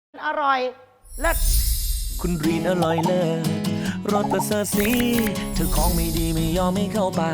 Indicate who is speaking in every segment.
Speaker 1: อร่อยเลิศ
Speaker 2: คุณรีนอร่อยเลิศรสประเสริฐสีเธอของไม่ดีไม่ยอมไม่เข้าปาก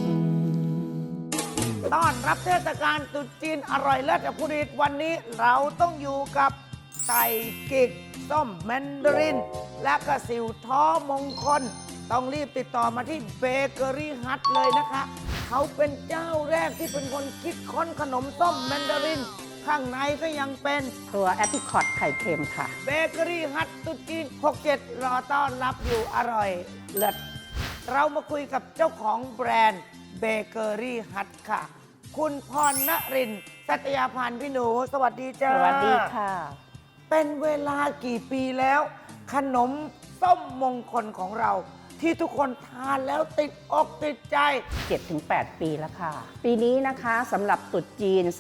Speaker 1: ต้อนรับเทศกาลตรุษจีนอร่อยเลิศกับผู้ดีวันนี้เราต้องอยู่กับไก่กิกส้มแมนดาริน และก็สิวท้อมงคล ต้องรีบติดต่อมาที่เบเกอรี่ฮัทเลยนะคะ เขาเป็นเจ้าแรกที่เป็นคนคิดค้นขนมส้มแมนดาริน ข้างในก็ยังเป็น
Speaker 3: ตัวแอปริคอตไข่เค็มค่ะ
Speaker 1: เบเกอรี่ฮัทตรุษจีน 67 รอต้อนรับอยู่อร่อยเลิศเรามาคุยกับเจ้าของแบรนด์เบเกอรี่ฮัทค่ะ คุณพรณรินทร์สัตยาพันธ์พี่หนู สวัสดีจ้า
Speaker 3: สวัสดีค่ะ
Speaker 1: เป็นเวลากี่ปีแล้ว ขนมส้มมงคลของเรา ที่ทุกคนทานแล้วติดอกติดใจ
Speaker 3: 7-8 ปีแล้วค่ะ ปีนี้นะคะสำหรับตรุษจีน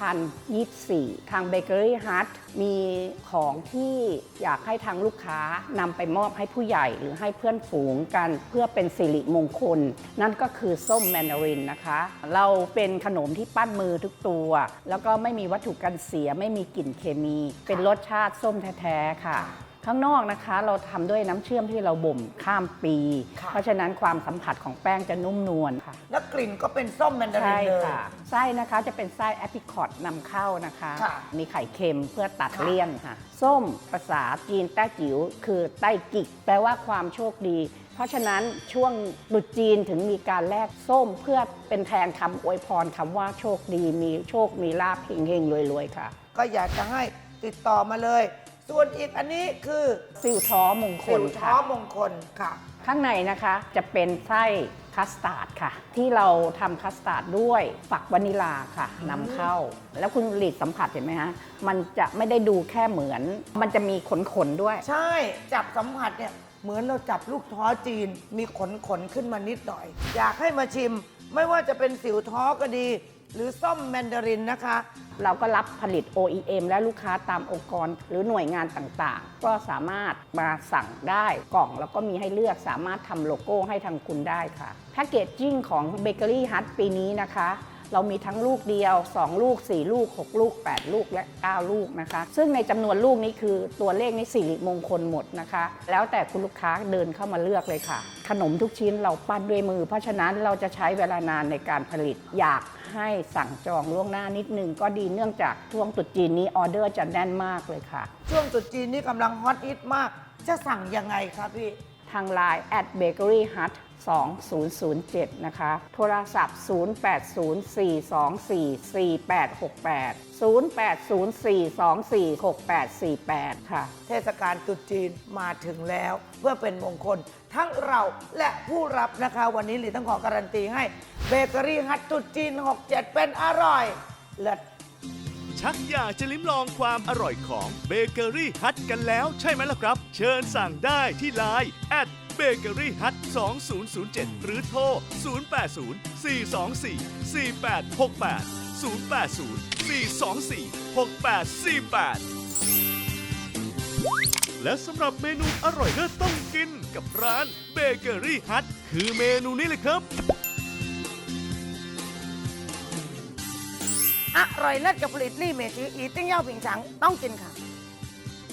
Speaker 3: 2024 ทางเบเกอรี่ฮัทมีของที่อยากให้ทางลูกค้านำไปมอบให้ผู้ใหญ่หรือให้เพื่อนฝูงกันเพื่อเป็นสิริมงคล นั่นก็คือส้มแมนดารินนะคะ เราเป็นขนมที่ปั้นมือทุกตัว แล้วก็ไม่มีวัตถุกันเสียไม่มีกลิ่นเคมี เป็นรสชาติส้มแท้ๆค่ะ ข้างนอกนะคะเราทำด้วยน้ำเชื่อมที่เราบ่มข้ามปี
Speaker 1: ค่ะ
Speaker 3: เพราะฉะนั้นความสัมผัสของแป้งจะนุ่มนวลค่ะ
Speaker 1: และกลิ่นก็เป็นส้มแมนดาริ
Speaker 3: ใช่
Speaker 1: นเลย
Speaker 3: ค่ะ ไส้นะคะจะเป็นไส้แอปริคอตนำเข้านะคะ
Speaker 1: ค่ะ
Speaker 3: มีไข่เค็มเพื่อตัด
Speaker 1: ค่ะ
Speaker 3: เลี่ยนค่ะ ส้มภาษาจีนแต้จิ๋วคือไต้กิกแปลว่าความโชคดี เพราะฉะนั้นช่วงตรุษจีนถึงมีการแลกส้มเพื่อเป็นแทนคำอวยพรคำว่าโชคดีมีโชคมีลาภเฮงๆรวยๆค่ะ
Speaker 1: ก็อยากจะให้ติดต่อมาเลย ส่วนอีกอันนี้คือ
Speaker 3: ซิวท้อมงค
Speaker 1: สิ
Speaker 3: ล
Speaker 1: ว
Speaker 3: ค่ะ
Speaker 1: ท้อมงคลค่ะ
Speaker 3: ข้างในนะคะจะเป็นไส้คัสตาร์ดค่ะ ที่เราทำคัสตาร์ดด้วยฝักวานิลาค่ะนำเข้า แล้วคุณหลีดสัมผัสเห็นไหมฮะมันจะไม่ได้ดูแค่เหมือน มันจะมีขนๆด้วย
Speaker 1: ใช่จับสัมผัสเนี่ยเหมือนเราจับลูกท้อจีน มีขนขึ้นมานิดหน่อย อยากให้มาชิม ไม่ว่าจะเป็นสิวท้อก็ดี หรือส้มแมนดารินนะคะ
Speaker 3: เราก็รับผลิต OEM และลูกค้าตามองค์กรหรือหน่วยงานต่างๆ ก็สามารถมาสั่งได้กล่องแล้วก็มีให้เลือกสามารถทำโลโก้ให้ทางคุณได้ค่ะแพคเกจจิ้งของเบเกอรี่ฮัทปีนี้นะคะ เรามีทั้งลูกเดียว 2 ลูก 4 ลูก 6 ลูก 8 ลูกและ 9 ลูกนะคะ ซึ่งในจำนวนลูกนี้คือตัวเลขนี้สิริมงคลหมดนะคะ แล้วแต่คุณลูกค้าเดินเข้ามาเลือกเลยค่ะ ขนมทุกชิ้นเราปั้นด้วยมือ เพราะฉะนั้นเราจะใช้เวลานานในการผลิต อยากให้สั่งจองล่วงหน้านิดนึงก็ดีเนื่องจากช่วงตรุษจีนนี้ออเดอร์จะแน่นมากเลยค่ะ
Speaker 1: ช่วงตรุษจีนนี่กำลังฮอตฮิตมาก จะสั่งยังไงครับพี่
Speaker 3: ทาง Line @bakeryhut 2007 นะคะ โทรศัพท์ 0804244868 0804246848 ค่ะ
Speaker 1: เทศกาลตรุษจีนมาถึงแล้ว เพื่อเป็นมงคล ทั้งเราและผู้รับนะคะ วันนี้หลีต้องขอการันตีให้เบเกอรี่ฮัทตรุษจีน 67 เป็นอร่อยเลิศ
Speaker 4: ชักอยากจะลิ้มลองความอร่อยของเบเกอรี่ฮัทกันแล้วใช่ไหมล่ะครับ เชิญสั่งได้ที่ไลน์เบเกอรี่ฮัท2007 หรือโทร 0804246848 และสำหรับเมนูอร่อยเลิศต้องกินกับร้านเบเกอรี่ฮัทคือเมนูนี้เลยครับ
Speaker 1: อร่อยเลิศกับผลิตลี่เมจืออีติ้งเย่าผิงฉังต้องกินค่ะ